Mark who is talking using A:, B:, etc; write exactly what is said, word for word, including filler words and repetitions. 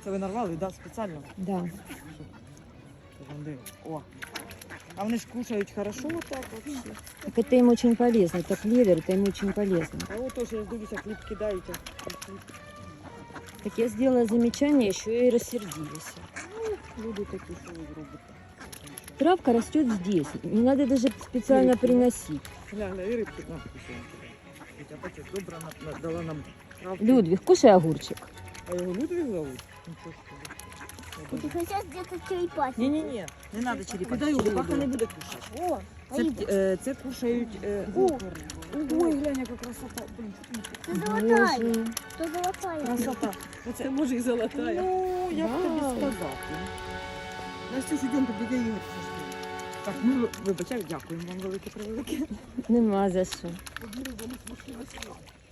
A: Це ви нарвали, да, спеціально?
B: Да.
A: Там де? О. А вони ж кушають хорошо отак вообще.
B: Так это им очень полезно. Это клевер, это им очень полезно.
A: А от теж, я ж дивлюся, хліб кидають. а хліб.
B: Так я сделала замечание, еще и рассердились.
A: Люди такі, що ви зробите.
B: Травка растет здесь. Не надо даже специально
A: Рыбки, да?
B: приносить.
A: Гля, гля, і рибки на кусаємо. Хоча бачиш, добре на- на- дала нам травку.
B: Людвиг, кушай огурчик.
A: А його Людвиг зовут? Нічого собі.
C: Ты хотел где-то черепахи.
A: Ні-ні-ні, не треба черепахи.
C: Кидай його,
A: Черепаха
C: да.
A: не буде кушати.
C: О,
A: Це,
C: Аида,
A: е, це кушають... Е,
C: О,
A: ой, глянь, яка красота. Блін, що ти
C: ты золотая.
B: Боже.
C: Ты золотая.
A: красота. Оце може і золотая. Ну, як
B: Вау.
A: тобі сказати? Настюш, ідемо, тобі Ігор. Так, ну, вибачай, дякуємо вам велике превелике.
B: Нема за що.
A: Одну рибу не смушила.